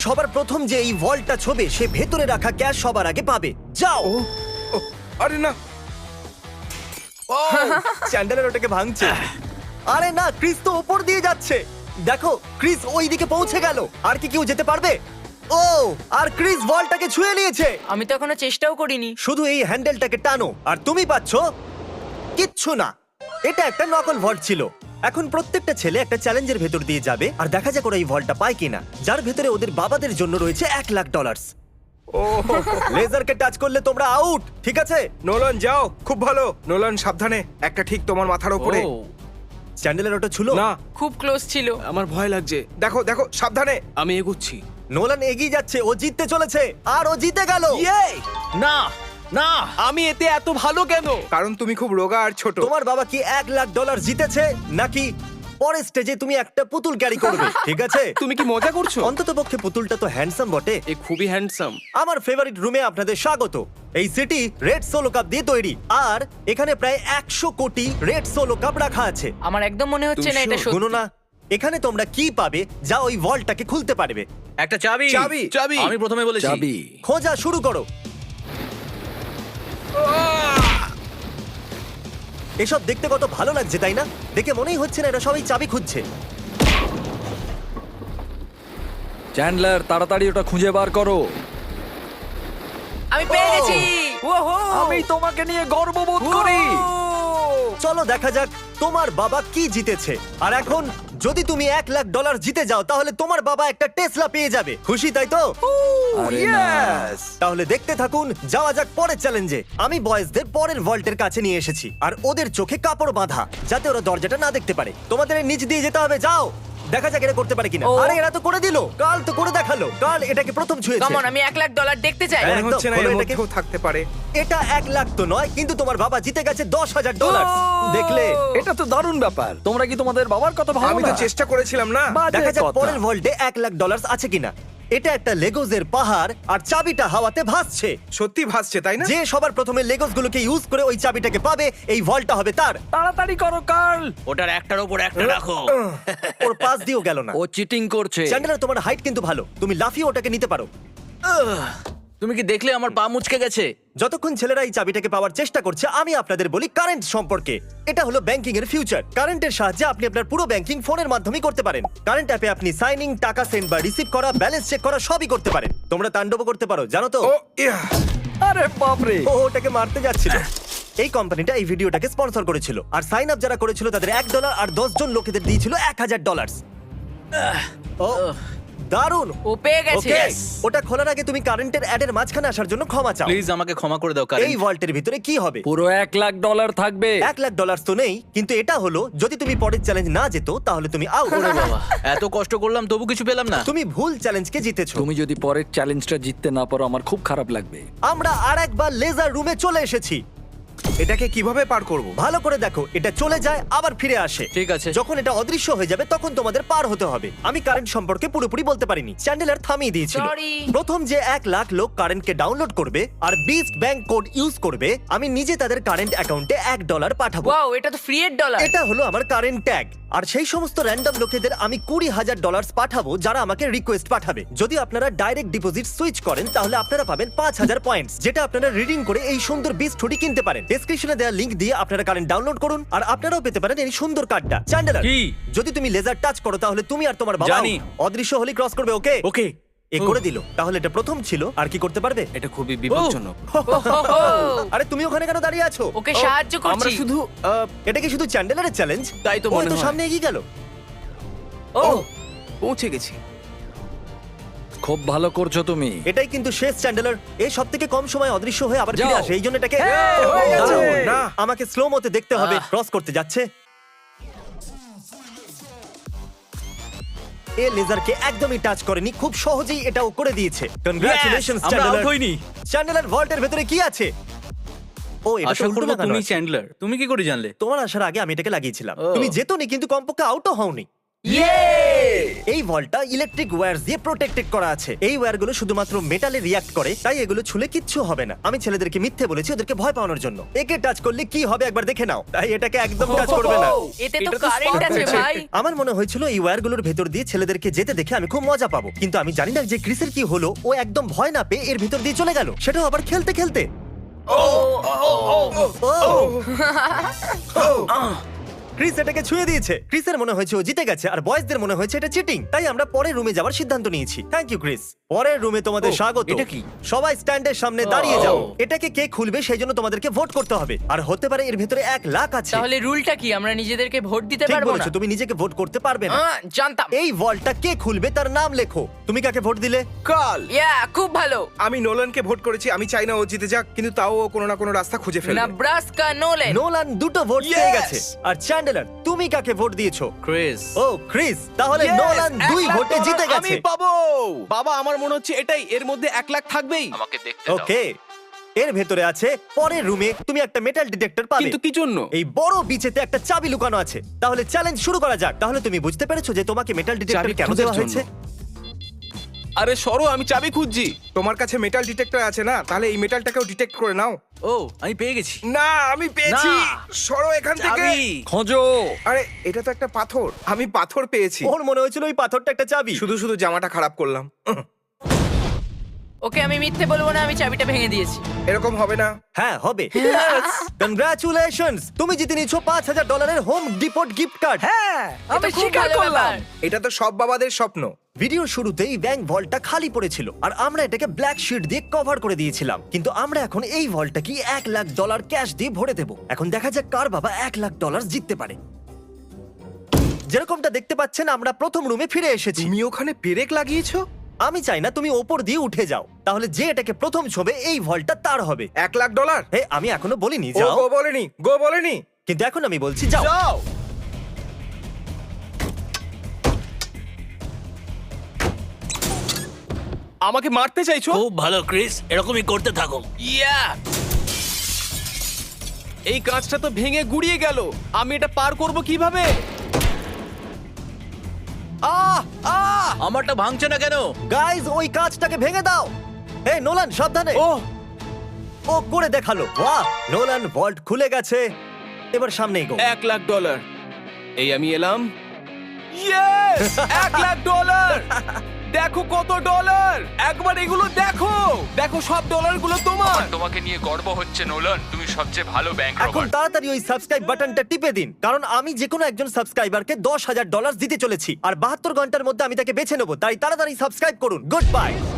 সবার প্রথম যে এই ভল্টটা ছবে সে ভেতরে রাখা ক্যাশ সবার আগে পাবে। যাও। ও, আরে না। চ্যান্ডেলার ওটাকে ভাঙছে। আরে না, ক্রিস তো উপর দিয়ে যাচ্ছে। দেখো ক্রিস ওই দিকে পৌঁছে গেল। আর কি কেউ যেতে পারবে? ও, আর ক্রিস বলটাকে ছুঁয়ে নিয়েছে। আমি তো এখনো চেষ্টাও করিনি। শুধু এই হ্যান্ডেলটাকে টানো আর তুমি পাচ্ছো কিচ্ছু না। এটা একটা নকল ভল্ট ছিল। এখন প্রত্যেকটা ছেলে একটা চ্যালেঞ্জের ভেতর দিয়ে যাবে আর দেখা যাক ওরা এই ভল্টটা পায় কিনা, যার ভেতরে ওদের বাবাদের জন্য রয়েছে $1,00,000। ও লেজারকে টাচ করলে তোমরা আউট, ঠিক আছে? নোলান যাও, খুব ভালো। নোলান সাবধানে, একটা ঠিক তোমার মাথার উপরে। চ্যান্ডেলের ওটা ছিল না, খুব ক্লোজ ছিল। আমার ভয় লাগছে। দেখো দেখো সাবধানে। আমি এগোচ্ছি। নোলান এগিয়ে যাচ্ছে, ও জিততে চলেছে আর ও জিতে গেল। না না, আমি এতে এত ভালো কেন? কারণ তুমি খুব রোগা আর ছোট। তোমার বাবা কি $1,00,000 জিতেছে নাকি পরের স্টেজে তুমি একটা পুতুল ক্যারি করবে? ঠিক আছে, তুমি কি মজা করছো? অন্তত পক্ষে পুতুলটা তো হ্যান্ডসাম বটে। এ খুবই হ্যান্ডসাম। আমার ফেভারিট রুমে আপনাদের স্বাগত। এই সিটি রেড সোলো কাপ দিয়ে তৈরি আর এখানে প্রায় 100 কোটি রেড সোলো কাপ রাখা আছে। আমার একদম মনে হচ্ছে না এটা গুনো সত্যি। না, এখানে তোমরা কি পাবে যা ওই ভল্টটাকে খুলতে পারবে। একটা চাবি। চাবি। চাবি। আমি প্রথমে বলেছি। চাবি। খোঁজা শুরু করো। এসব দেখতে কত ভালো লাগছে তাই না? দেখে মনেই হচ্ছে না এরা সবাই চাবি খুঁজছে। চ্যান্ডলার, তাড়াতাড়ি ওটা খুঁজে বার করো। আমি পেয়ে গেছি। আমি তোমাকে নিয়ে গর্ববোধ করি। চলো দেখা যাক তোমার বাবা কি জিতেছে। আর এখন যদি তুমি $1,00,000 জিতে যাও তাহলে তোমার বাবা একটা টেসলা পেয়ে যাবে। খুশি তাই তো? আরে না। Yes! তাহলে দেখতে থাকুন, যাওয়া যাক পরের চ্যালেঞ্জে। আমি বয়েজদের পরের ভল্টের কাছে নিয়ে এসেছি আর ওদের চোখে কাপড় বাঁধা যাতে ওরা দরজাটা না দেখতে পারে। তোমাদের এর নিচ দিয়ে যেতে হবে, যাও। দেখা যাক এরা করতে পারে কিনা। ও। আরে এরা তো করে দিল। কাল তো করে দেখালো। কাল এটাকে প্রথম ছুঁয়েছে। কামন, আমি $1,00,000 দেখতে চাই। হ্যাঁ। মনে হচ্ছে না একদম, এর খোলো এটাকে। মধ্যেও থাকতে পারে। এটা 1,00,000 তো নয়, কিন্তু তোমার বাবা জিতে গেছে $10,000। দেখলে? এটা তো দারুণ ব্যাপার। তোমরা কি তোমাদের বাবার কথা ভাবো আমি তো না? চেষ্টা করেছিলাম না। বাজে দেখা যাক কথা। পরের ভল্টে $1,00,000 আছে কিনা। এটা একটা লেগোজের পাহাড় আর চাবিটা হাওয়াতে ভাসছে। সত্যি ভাসছে তাই না? যে সবার প্রথমে লেগোস গুলোকে ইউজ করে ওই চাবিটাকে পাবে, এই ভল্টটা হবে তার। তাড়াতাড়ি করো কার্ল। ওটার একটার উপর একটা রাখো। ওর পাশ দিয়েও গেল না। ও চিটিং করছে। চ্যান্ডেলার, তোমার হাইট কিন্তু ভালো, তুমি লাফিয়ে ওটাকে নিতে পারো। তুমি কি দেখলে আমার পা মুচকে গেছে? যতক্ষণ ছেলেরা এই চাবিটাকে পাওয়ার চেষ্টা করছে, আমি আপনাদের বলি কারেন্ট সম্পর্কে। এটা হলো ব্যাংকিং এর ফিউচার। কারেন্টের সাহায্যে আপনি আপনার পুরো ব্যাংকিং ফোনের মাধ্যমেই করতে পারেন। কারেন্ট অ্যাপে আপনি সাইনিং, টাকা সেন্ড বা রিসিভ করা, ব্যালেন্স চেক করা সবই করতে পারেন। তোমরা তাণ্ডব করতে পারো, জানো তো? ও ইয়া। আরে বাপ রে। ও ওটাকে মারতে যাচ্ছিল। এই কোম্পানিটা এই ভিডিওটাকে স্পন্সর করেছিল আর সাইন আপ যারা করেছিল তাদের $1 আর 10 জন লোকেদের দিয়েছিল $1,000। ও দারুণ। ও পেয়ে গেছে। ওকে, ওটা খোলার আগে তুমি কারেন্টের অ্যাডের মাঝখানে আসার জন্য ক্ষমা চাও। প্লিজ আমাকে ক্ষমা করে দাও এই কারণ ভল্টের ভিতরে কি হবে? পুরো $1,00,000 থাকবে। $1,00,000 তো নেই, কিন্তু এটা হলো যদি তুমি পরের চ্যালেঞ্জ না যেত তাহলে তুমি আউট। বাবা এত কষ্ট করলাম তবু কিছু পেলাম না। তুমি ভুল চ্যালেঞ্জকে জিতেছো। তুমি যদি পরের চ্যালেঞ্জটা জিততে না পারো আমার খুব খারাপ লাগবে। আমরা আর একবার লেজার রুমে চলে এসেছি। এটাকে কিভাবে পার করব? ভালো করে দেখো, এটা চলে যায় আবার ফিরে আসে। ঠিক আছে। যখন এটা অদৃশ্য হয়ে যাবে তখন তোমাদের পার হতে হবে। আমি কারেন্ট সম্পর্কে পুরোপুরি বলতে পারিনি, চ্যান্ডেলার থামিয়ে দিয়েছিল। Sorry. প্রথম যে 1,00,000 লোক কারেন্টকে ডাউনলোড করবে আর বিস্ট ব্যাংক কোড ইউজ করবে, আমি নিজে তাদের কারেন্ট অ্যাকাউন্টে $1 পাঠাবো। ওয়াও, এটা তো ফ্রি এর ডলার। এটা হলো আমার কারেন্ট ট্যাগ। আর সেই সমস্ত র্যান্ডম লোকেদের আমি $20,000 পাঠাবো যারা আমাকে রিকোয়েস্ট পাঠাবে। যদি আপনারা ডাইরেক্ট ডিপোজিট সুইচ করেন তাহলে আপনারা পাবেন 5,000 পয়েন্টস, যেটা আপনারা রিডিং করে এই সুন্দর বিস্ট হুডি কিনতে পারেন। ডেসক্রিপশনে দেওয়া লিংক দিয়ে আপনারা কারেন্ট ডাউনলোড করুন আর আপনারাও পেতে পারেন এই সুন্দর কার্ডটা। চ্যান্ডেলার, কি? যদি তুমি লেজার টাচ করো তাহলে তুমি আর তোমার বাবা জানি। অদৃশ্য হলি ক্রস করবে। ওকে ওকে। এ করে দিল। তাহলে এটা প্রথম ছিল, আর কি করতে পারবে? এটা খুবই বিপজ্জনক। আরে তুমি ওখানে কেন দাঁড়িয়ে আছো? ওকে সাহায্য আমরা করছি। শুধু এটা কি শুধু চ্যান্ডেলারের চ্যালেঞ্জ? তাই তো ওই মনে তো হয়। সামনে এগিয়ে গেল। ও পৌঁছে গেছি। খুব ভালো করছো তুমি। এটাই কিন্তু শেষ চ্যান্ডেলার। এই সব থেকে কম সময় অদৃশ্য হয়ে আবার ফিরে যাও। আসে, এই জন্য এটাকে হয়ে গেছে। দারুণ। না। আমাকে স্লো মতে দেখতে হবে ক্রস করতে যাচ্ছে। এ লেজারকে একদমই টাচ করেনি, খুব সহজেই এটাও করে দিয়েছে। কনগ্রাচুলেশনস আমরা চ্যান্ডেলার। আউট হইনি। চ্যান্ডেলার ভল্টের ভেতরে কি আছে? ও এটা তো আশা উল্টো করবো লাগানো তুমি আছে। চ্যান্ডলার। তুমি কি করে জানলে? তোমার আসার আগে আমি এটাকে লাগিয়েছিলাম। ও। তুমি যেতনি কিন্তু কমপক্ষে আউটও হওনি। এই ভলটা ইলেকট্রিক ওয়্যার দিয়ে প্রোটেক্টেড করা আছে। এই ওয়্যারগুলো শুধুমাত্র মেটালে রিয়াক্ট করে, তাই এগুলো ছুলে কিচ্ছু হবে না। আমি ছেলেদেরকে মিথ্যে বলেছি ওদেরকে ভয় পাওয়ানোর জন্য। একে টাচ করলে কি হবে একবার দেখে নাও, তাই এটাকে একদম টাচ করবে না। এতে তো এটা তো কারেন্ট spark আছে হয়েছে। ভাই। আমার মনে হয়েছিল এই ওয়্যারগুলোর ভেতর দিয়ে ছেলেদেরকে যেতে দেখে আমি খুব মজা পাবো, কিন্তু আমি জানি না যে ক্রিসের কি হলো। ও একদম ভয় না পেয়ে এর ভিতর দিয়ে চলে গেল, সেটাও আবার খেলতে খেলতে। ক্রিস এটাকে ছুঁয়ে দিয়েছে। ক্রিসের মনে হয়েছে ও জিতে গেছে, আর বয়েজদের মনে হয়েছে এটা চিটিং। তাই আমরা পরের রুমে যাওয়ার সিদ্ধান্ত নিয়েছি। Thank you Chris. পরের রুমে তোমাদের স্বাগত। এটা কি? সবাই স্ট্যান্ডের সামনে দাঁড়িয়ে যাও। এটাকে কে খুলবে সেই জন্য তোমাদেরকে ভোট করতে হবে, আর হতে পারে এর ভিতরে 1 লাখ আছে। তাহলে রুলটা কি? আমরা নিজেদেরকে ভোট দিতে ঠিক পারবো না? বলেছো, তুমি নিজেকে ভোট করতে পারবে না। জানতাম। এই ভল্টটা কে খুলবে তার নাম লেখো। তুমি কাকে ভোট দিলে? কাল খুব ভালো। আমি নোলানকে ভোট করেছি। আমি চাই না ও জিতে যাক, কিন্তু তাও ও কোনো না কোনো রাস্তা খুঁজে ফেলবে। Nebraska Nolan. নোলান 2টো ভোট পেয়ে Yes! গেছে। আর চ্যান্ডেলার, তুমি কাকে ভোট দিয়েছো? ক্রিস। ও ক্রিস, তাহলে Yes! নোলান 2 1 লাখ ভোটে জিতে ডলার গেছে। আমি পাবো। বাবা, আমার মনে হচ্ছে এটাই, এর মধ্যে 1 লাখ থাকবেই। আমাকে দেখতে ওকে, এর ভেতরে আছে পরের রুমে তুমি একটা মেটাল ডিটেক্টর পাবে। কিন্তু কি জন্য? এই বড় বিচেতে একটা চাবি লুকানো আছে। তাহলে চ্যালেঞ্জ শুরু করা যাক। তাহলে তুমি বুঝতে পেরেছো যে তোমাকে মেটাল ডিটেক্টর চাবি কেন খোঁজার দেওয়া জন্য। হয়েছে? আরে সরো, আমি চাবি খুঁজছি। তোমার কাছে মেটাল ডিটেক্টর আছে না? তাহলে এই মেটালটাকেও ডিটেক্ট করে নাও। ও, আমি পেয়ে গেছি। না, আমি পেয়েছি। না। সরো এখান থেকে। চাবি। খোঁজো। আরে এটা তো একটা পাথর। আমি পাথর পেয়েছি। ওর মনে হয়েছিল ওই পাথরটা একটা চাবি। শুধু শুধু জামাটা খারাপ করলাম। ওকে, আমি মিথ্যে বলবো না, আমি চাবিটা ভেঙে দিয়েছি। এরকম হবে না। হ্যাঁ হবে। কনগ্রাচুলেশনস, তুমি জিতে নিয়েছো $5000 হোম ডিপোট গিফট কার্ড। হ্যাঁ, আমি এটা খুব স্বীকার ভালো করলাম। ব্যাপার। এটা তো সব বাবাদের স্বপ্ন। ভিডিওর শুরুতেই ব্যাংক ভল্টটা খালি পড়েছিল, আর আমরা এটাকে ব্ল্যাক শিট দিয়ে কভার করে দিয়েছিলাম। কিন্তু আমরা এখন এই ভল্টটা কি $1 লাখ ক্যাশ দিয়ে ভরে দেব। এখন দেখা যাক কার বাবা $1 লাখ জিততে পারে। যেরকমটা দেখতে পাচ্ছেন, আমরা প্রথম রুমে ফিরে এসেছি। তুমি ওখানে পেরেক লাগিয়েছো? আমি চাই না তুমি ওপর দিয়ে উঠে যাও, তাহলে যে এটাকে প্রথম ছবে এই ভল্টটা তার হবে। $1 লাখ? হে, আমি এখনো বলিনি ও যাও, গো বলেনি, গো বলেনি। কিন্তু এখন আমি বলছি যাও। যাও। আমাকে মারতে চাইছো? খুব ভালো ক্রিস, এরকমই করতে থাকো। এই কাঁচটা তো ভেঙে গুড়িয়ে গেল। আমি এটা পার করব কিভাবে? আমারটা ভাঙছে না কেন? গাইজ, ওই কাঁচটাকে ভেঙে দাও। হে নোলান, সাবধানে। ও করে দেখালো। বাহ, নোলান, ভল্ট খুলে গেছে। এবার সামনে এগো। $1 লাখ। এই আমি এলাম। ইয়েস! $1 লাখ। দেখো কত ডলার! একবার এগুলো দেখো। দেখো, সব ডলারগুলো তোমার। তোমাকে নিয়ে গর্ব হচ্ছে নোলান, তুমি সবচেয়ে ভালো ব্যাংক এখন রবার। তাড়াতাড়ি ওই সাবস্ক্রাইব বাটনটা টিপে দিন, কারণ আমি যে কোনো একজন সাবস্ক্রাইবারকে $10,000 দিতে চলেছি, আর 72 ঘন্টার মধ্যে আমি তাকে বেছে নেবো। তাই তাড়াতাড়ি সাবস্ক্রাইব করুন। Good by.